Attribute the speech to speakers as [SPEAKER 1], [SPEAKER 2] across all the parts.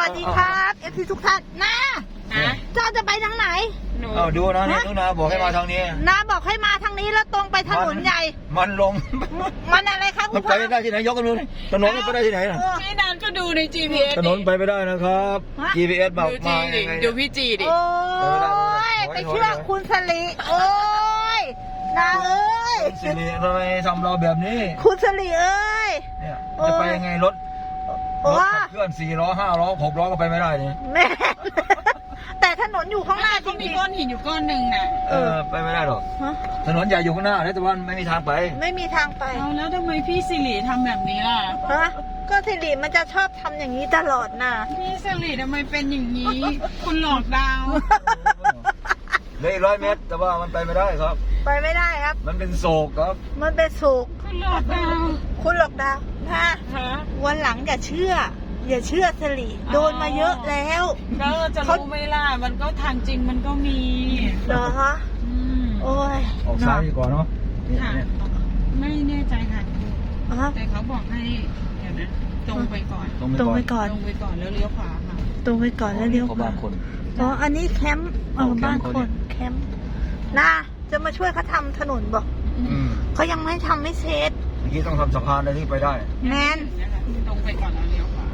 [SPEAKER 1] สดีครับเอฟซีทุกท่านนะเจ้าจะไปทางไหน
[SPEAKER 2] ดูนะนี่นุนาบอกให้มาทางนี้
[SPEAKER 1] นาบอกให้มาทางนี้แล้วตรงไปถนนใหญ่
[SPEAKER 2] มันลง
[SPEAKER 1] มันอะไรครับคุณพ่อ
[SPEAKER 2] ไปไม่ได้ที่ไหนยกกันดูถนนไปได้ที่ไหน
[SPEAKER 3] พี่นันก็ดูใน GPS
[SPEAKER 2] ถนนไปไม่ได้นะครับ GPS บอกมา
[SPEAKER 3] ดูพี่จีดิ
[SPEAKER 1] โอ้ยไปเชื่อคุณสลีโอ้ยนาเอ้ย
[SPEAKER 2] สิริทำไมทำเราแบบนี้
[SPEAKER 1] คุณสลีเอ้ย
[SPEAKER 2] เนี่ยจะไปยังไงรถเคลื่อน4 ล้อ5 ล้อ6 ล้อก็ไปไม่ได้เนี่ย
[SPEAKER 1] แม่แต่ถนนอยู่ข้างหน้าจริงๆ
[SPEAKER 3] มีก้อนหินอยู่ก้อนหนึ่งน่ะ
[SPEAKER 2] ไปไม่ได้หรอกถนนใหญ่อยู่ข้างหน้าแต่ว่าไม่มีทางไป
[SPEAKER 1] ไม่มีทางไป
[SPEAKER 3] แล้วทำไมพี่สิริทำแบบนี้ล่ะ
[SPEAKER 1] ก็สิริมันจะชอบทำอย่างนี้ตลอดนะ
[SPEAKER 3] พี่สิริทำไมเป็นอย่างนี้คุณหลอกดาว
[SPEAKER 2] เลย100 เมตรแต่ว่ามันไปไม่ได้ครับ
[SPEAKER 1] ไปไม่ได้ครับ
[SPEAKER 2] มันเป็นโศกครับ
[SPEAKER 1] มันเป็นโศก
[SPEAKER 3] คุณหลอกดาว
[SPEAKER 1] นะวันหลังอย่าเชื่อสลีโดนมาเยอะแล้ว
[SPEAKER 3] ก็จะรู้ไหมล่ะมันก็ทางจริงมันก็มี
[SPEAKER 1] เหรอฮะโอ้ย
[SPEAKER 2] ออกซ้ายดีกว่าเนาะ
[SPEAKER 3] ไม่แน่ใจค่ะแต่เขาบอกให้เดี๋ยวนะตรงไปก่อนแล้วเลี้ยวขวาค่ะ
[SPEAKER 1] ตรงไปก่อนแล้วเลี้ยวขวาอ๋ออันนี้แคมป์บ้านคนแคมป์น่าจะมาช่วยเขาทำถนนบอกเขายังไม่ทำไม่เสร็จ
[SPEAKER 2] เมื่อกี้ต้องทำสะพานอะไรที่ไปได้
[SPEAKER 1] แมน
[SPEAKER 3] ตรงไปก่อนแล้วเลี้ยวขวา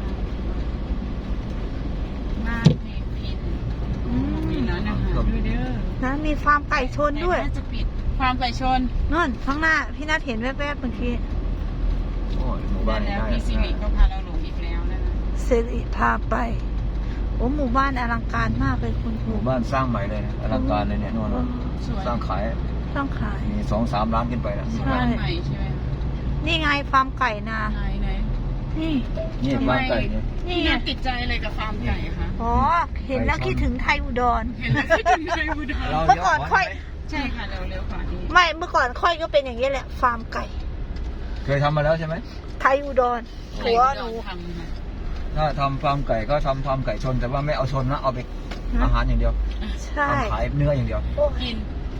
[SPEAKER 3] บ้านเนพินมีร้านอาหารด้วยเด้อ
[SPEAKER 1] นะมีฟาร์มไก่ชนด้วย
[SPEAKER 3] จะปิดฟาร์มไก่ชน
[SPEAKER 1] นั่นข้างหน้าพี่นัทเห็นแวบๆเมื่อกี้
[SPEAKER 2] โอ้ยหมู่บ้าน
[SPEAKER 3] แล้วพี่สิริก็พาเราหลงอีกแล้วนะ
[SPEAKER 1] สิริพาไปโอ้หมู่บ้านอลังการมากเลยคุณครู
[SPEAKER 2] หมู่บ้านสร้างใหม่เลยอลังการเลยเนี่ยนู่นสร้างขายมี2-3 ล้านขึ้นไปนะ
[SPEAKER 3] ใช่ใช่ไหม
[SPEAKER 1] นี่ไงฟาร์มไก่นา
[SPEAKER 3] ไหน
[SPEAKER 2] นี่ฟาร์มไก่
[SPEAKER 3] นี่น่าติดใจอะไรกับฟาร์มไก่คะ
[SPEAKER 1] อ๋อเห็นแล้วคิดถึงไทยอุดร
[SPEAKER 3] เ
[SPEAKER 1] มื่อก่อนค่อย
[SPEAKER 3] ใช่ค่ะเร็วๆกว่านี้
[SPEAKER 1] ไม่เมื่อก่อนค่อยก็เป็นอย่างนี้แหละฟาร์มไก่
[SPEAKER 2] เคยทำมาแล้วใช่ไหม
[SPEAKER 1] ไทยอุดรหัวหนู
[SPEAKER 2] ถ้าทำฟาร์มไก่ก็ทำฟาร์มไก่ชนแต่ว่าไม่เอาชนนะเอาไปอาหารอย่างเดียว
[SPEAKER 1] ใช่
[SPEAKER 2] ขายเนื้ออย่างเดียว
[SPEAKER 3] กิน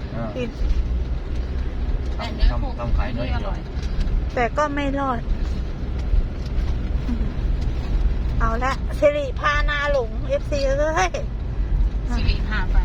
[SPEAKER 2] ทำขายเนื้ออย่างเดียว
[SPEAKER 1] แต่ก็ไม่รอดเอาละสิริพานาหลง FC เลย
[SPEAKER 3] สิริพาไป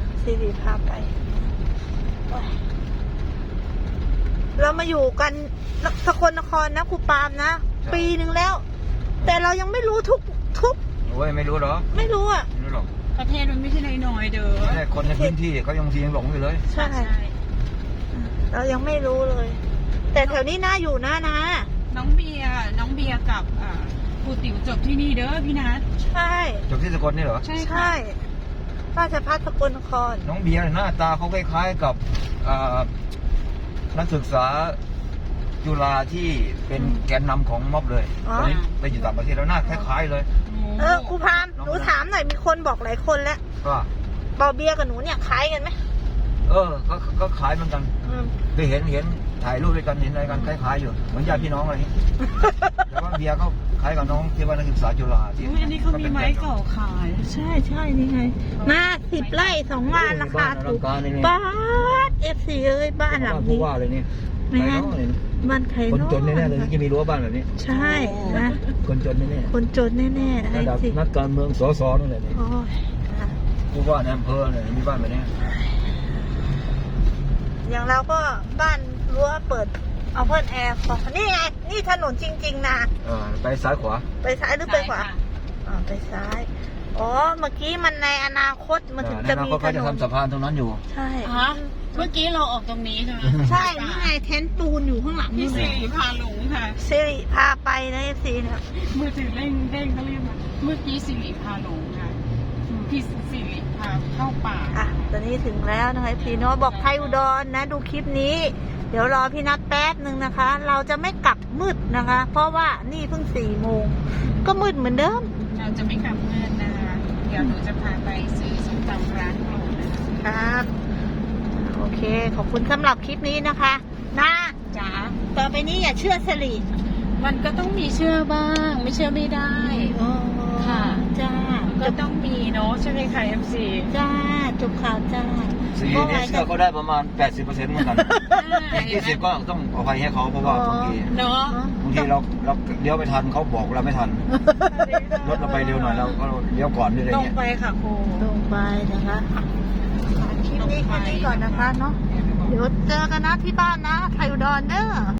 [SPEAKER 1] เรามาอยู่กันสกลนครนะครูปามนะปีหนึ่งแล้วแต่เรายังไม่รู้ทุก
[SPEAKER 2] โอ้ยไม่รู้หรอ
[SPEAKER 1] ไม่รู้อ่ะ
[SPEAKER 2] ไม่รู้หรอก
[SPEAKER 3] ประเทศมันไม่ใช่น้อยๆเด้อ
[SPEAKER 2] แต่คนในพื้นที่เขายังหลงอยู่เลย
[SPEAKER 1] ใช่เรายังไม่รู้เลยแต่แถวนี้น่าอยู่นะ
[SPEAKER 3] น้องเบียร์กับครูติ๋วจบที่นี่เด้อพี่นัท
[SPEAKER 1] ใช่
[SPEAKER 2] จบที่สกลนี่เหรอ
[SPEAKER 1] ใช่ราชภัฏสกลนคร
[SPEAKER 2] น้องเบียร์หน้าตาเขาคล้ายๆกับนักศึกษาจุฬาที่เป็นแกนนำของม็อบเลยตอนนี้ไปอยู่ต่างประเทศแล้วหน้าคล้ายๆเลย
[SPEAKER 1] ครูพามหนูถามหน่อยมีคนบอกหลายคนแล้วเบาเบียร์กับหนูเนี่ยคล้ายกันไหม
[SPEAKER 2] ก็คล้ายเหมือนกันเคยเห็นถ่ายรูปด้วยกันเห็นอะไรกันคล้ายๆอยู่เหมือนญาติพี่น้องอะไรนี้แต่ว่าเบียร์เขาคล้ายกับน้องที่ว่านักศึกษาจุฬาที่
[SPEAKER 3] อันนี้เขามีไม้เก่าขาย
[SPEAKER 1] ใช่นี่ไงมา10 ไร่2 งานราคาถูกบ้านFC เอ้ยบ้านหลังนี้
[SPEAKER 2] ว่าเลยนี่
[SPEAKER 1] บ้านใคร
[SPEAKER 2] คนจนแน่ๆเลยจะมีรั้วบ้านแบบนี้
[SPEAKER 1] ใช่นะ
[SPEAKER 2] คนจนแน่
[SPEAKER 1] ๆคนจนแน่
[SPEAKER 2] ๆระดับนักการเมืองสสนั่นแหละนี่ผู้ว่าในอำเภอเนี่ยมีบ้านแบบนี้
[SPEAKER 1] อย่างเราก็บ้านรั้วเปิดเอาเพิ่นแอร์นี่ไงนี่ถนนจริงๆนะ
[SPEAKER 2] ไปซ้ายขวา
[SPEAKER 1] ไปซ้ายหรือไปขวาไปซ้ายอ๋อเมื่อกี้มันในอนาคตมันถึงจะมีถนน
[SPEAKER 2] เขาจะทำสะพานตรงนั้นอยู่
[SPEAKER 1] ใช่
[SPEAKER 3] เมื่อกี้เราออกตรงนี้ใช่ไหม
[SPEAKER 1] ใช่นี่ไงเทนปูนอยู่ข้างหลัง
[SPEAKER 3] พี่สิริพาหลงค่ะ
[SPEAKER 1] สิริพาไปนะสิเนี่ย
[SPEAKER 3] มือถือเด้งก็เรียกมาเมื่อกี้สิริพาหลงค่ะพี่สิริพาเข้าป่า
[SPEAKER 1] ตอนนี้ถึงแล้วนะคะพี่น้องบอกไทยอุดรนะดูคลิปนี้เดี๋ยวรอพี่นัทแป๊บนึงนะคะ เราจะไม่กลับมืดนะคะ เพราะว่านี่เพิ่ง4 โมงก็มืดเหมือนเดิม
[SPEAKER 3] เราจะไม่กลับมืดนะคะเดี๋ยวหนูจะพาไปซื้อส้มตำร้านโปรด
[SPEAKER 1] นะครับโอเคขอบคุณสำหรับคลิปนี้นะคะนะ
[SPEAKER 3] จ๋า
[SPEAKER 1] ต่อไปนี้อย่าเชื่อสลี
[SPEAKER 3] มันก็ต้องมีเชื่อบ้างไม่เชื่อไม่ได้
[SPEAKER 1] ค่ะ
[SPEAKER 3] จ้าก็ต้องมีเนาะใช่ไหมคะ MC
[SPEAKER 1] จ้าจบข่าวจ้า
[SPEAKER 2] สีนี้เชื่อเขาได้ประมาณ 80%เหมือนกันอีก20ก็ต้องอภัยให้เขาเพราะว่าบางที
[SPEAKER 3] เนาะ
[SPEAKER 2] เราเลี้ยวไปทันเขาบอกเราไม่ทันรถเราไปเร็วหน่อยเราก็เลี้ยวก่อนด้วยอะไร
[SPEAKER 3] ตรง
[SPEAKER 2] เงี้ย
[SPEAKER 3] ไปค่ะครู
[SPEAKER 1] ตรงไปนะคะคลิปนี้แค่นี้ก่อนนะคะเนาะเดี๋ยวเจอกันนะที่บ้านนะไทยอุดรเด้อ